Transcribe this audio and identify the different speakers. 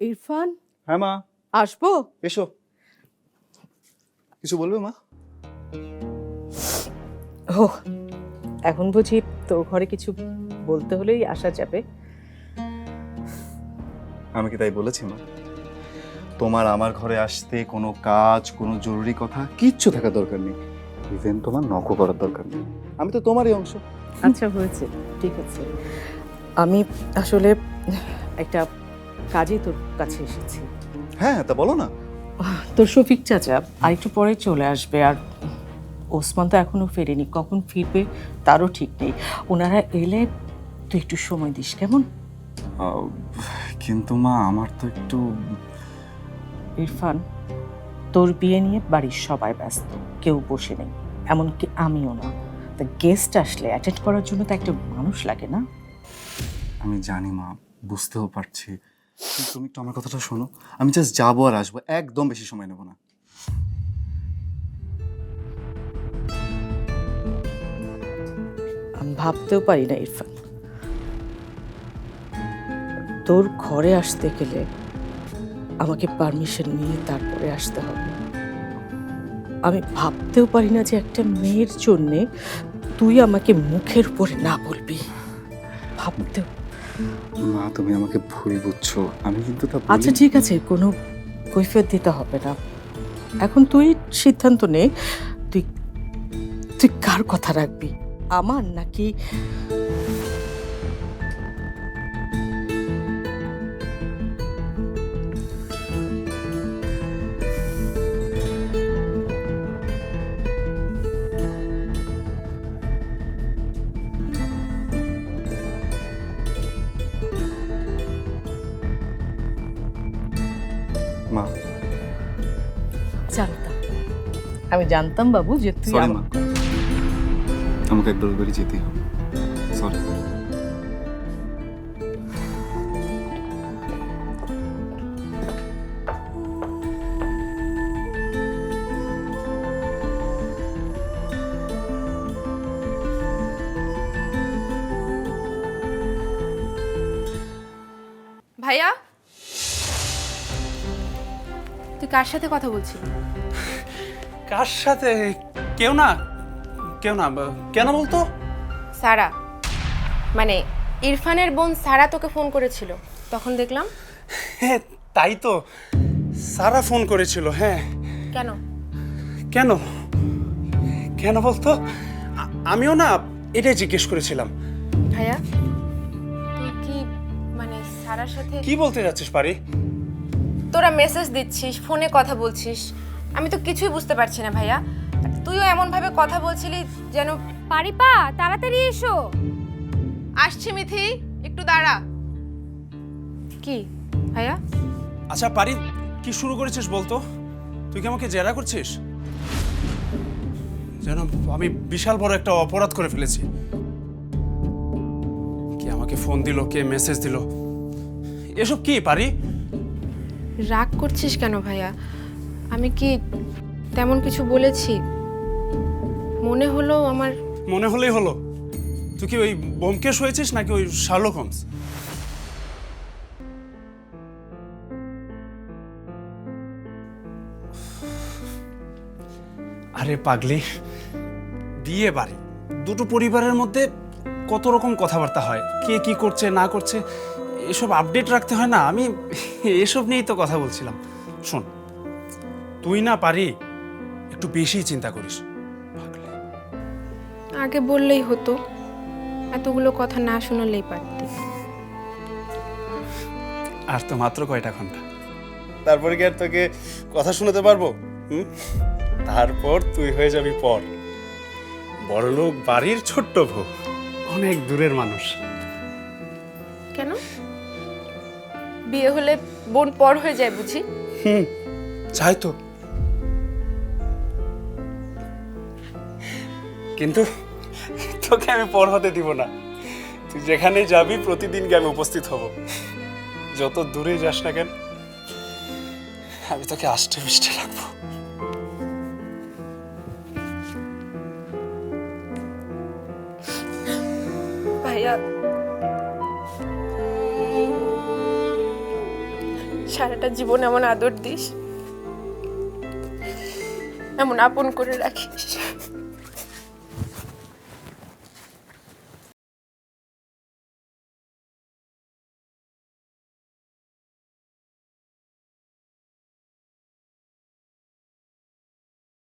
Speaker 1: ইরফান,
Speaker 2: হ্যাঁ মা,
Speaker 1: আসবো?
Speaker 2: এসো। কিছু বলবে মা?
Speaker 1: ও, এখন বুঝি তোর ঘরে কিছু বলতে হলেই আসা যাবে?
Speaker 2: আমি কি তাই বলেছি মা? তোমার আমার ঘরে আসতে কোনো কাজ, কোনো জরুরি কথা কিচ্ছু থাকা দরকার নেই। ইভেন তোমার নকও করার দরকার নেই। আমি তো তোমারই অংশ।
Speaker 1: আচ্ছা, হয়েছে, ঠিক আছে। আমি আসলে একটা কাজে তোর কাছে এসেছি।
Speaker 2: হ্যাঁ, তা বলো না।
Speaker 1: তোর শফিক চাচা আরেকটু পরে চলে আসবে, আর ওসমান তো এখনো ফেরেনি, কখন ফিরবে তারও ঠিক নেই। ওনারা এলে তুই একটু সময় দিস, কেমন?
Speaker 2: কিন্তু মা, আমার তো একটু...
Speaker 1: ইরফান, তোর বিয়ে নিয়ে বাড়ির সবাই ব্যস্ত, কেউ বসে নেই, এমনকি আমিও না। তা গেস্ট আসলে অ্যাটেন্ড করার জন্য তো একটা মানুষ লাগে না?
Speaker 2: আমি জানি মা, বুঝতেও পারছি, কিন্তু তুমি একটু আমার কথাটা শোনো। আমি জাস্ট যাবো আর আসবো, একদম বেশি সময় নেব না।
Speaker 1: আমি ভাবতেও পারি না ইরফান, তোর ঘরে আসতে গেলে আমাকে পারমিশন নিয়ে তারপরে আসতে হবে। আমি ভাবতেও পারি না যে একটা মেয়ের জন্যে তুই আমাকে মুখের উপরে না বলবি, ভাবতেও।
Speaker 2: মা, তুমি আমাকে ভুল বুঝছো, আমি কিন্তু তা
Speaker 1: আচ্ছা ঠিক আছে, কোনো কৈফিয়ত দিতে হবে না। এখন তুই সিদ্ধান্ত নে, তুই তুই কার কথা রাখবি, আমার নাকি?
Speaker 2: মা,
Speaker 1: জানতাম, আমি জানতাম বাবু যে তুই
Speaker 2: সরি মা, আমাকে একবার ওই বাড়ি যেতেই হবে। সরি।
Speaker 3: ভাইয়া, তুই কার সাথে কথা বলছিলি?
Speaker 4: কার সাথে? কেউ না, কেউ না। কেন বলতো?
Speaker 3: সারা, মানে ইরফানের বোন সারা তোকে ফোন করেছিল, তখন দেখলাম।
Speaker 4: হ্যাঁ তাই তো, সারা ফোন করেছিল। হ্যাঁ।
Speaker 3: কেন?
Speaker 4: কেন? কেন বলতো? আমিও না এটাই জিজ্ঞেস করেছিলাম।
Speaker 3: ভাইয়া, তুই কি মানে সারার সাথে
Speaker 4: কি বলতে যাচ্ছিস পারি?
Speaker 3: তোরা মেসেজ দিচ্ছিস, ফোনে কথা বলছিস, আমি তো কিছুই বুঝতে পারছি না ভাইয়া। আর তুইও এমন ভাবে কথা বলছিলি যেন।
Speaker 5: পারিপা, তাড়াতাড়ি এসো।
Speaker 3: আসছি মিথি, একটু দাঁড়া। কি ভাইয়া?
Speaker 4: আচ্ছা পারি, কি শুরু করেছিস বলতো? তুই কি আমাকে জেরা করছিস? যেন আমি বিশাল বড় একটা অপরাধ করে ফেলেছি। কে আমাকে ফোন দিল, কে মেসেজ দিল, এসব কি পারি?
Speaker 3: রাগ করছিস কেন ভাইয়া? আমি কি তেমন কিছু বলেছি? মনে হলো আমার।
Speaker 4: মনে হলেই হলো? তুই কি ওই ব্যোমকেশ হয়েছিস নাকি ওই শার্লক হোমস? আরে পাগলি, বিয়ে বাড়ি, দুটো পরিবারের মধ্যে কত রকম কথাবার্তা হয়, কে কি করছে না করছে এসব আপডেট রাখতে হয় না? আমি এসব নিয়েই তো কথা বলছিলাম। শোন, তুই না পারি একটু বেশি চিন্তা করিস। পাগলি।
Speaker 3: আগে বললেই হতো, এতগুলো কথা না শোনালেই পারতি।
Speaker 4: আর তো মাত্র কয়টা ঘন্টা, তারপরে কি আর তোকে কথা শোনাতে পারবো? তারপর তুই হয়ে যাবি পর, বড়লোক বাড়ির ছোট্ট বউ, অনেক দূরের মানুষ।
Speaker 3: কেন? বিয়ে হলে বোন পর হয়ে যায় বুঝি?
Speaker 4: চাই তো, কিন্তু তোকে আমি পর হতে দিব না। তুই যেখানে যাবি প্রতিদিন গিয়ে আমি উপস্থিত হব। যত দূরে যাস না কেন, আমি তোকে আষ্টে পৃষ্ঠে রাখবো।
Speaker 3: ভাইয়া, সারাটা জীবন এমন আদর দিস, এমন আপন করে রাখিস।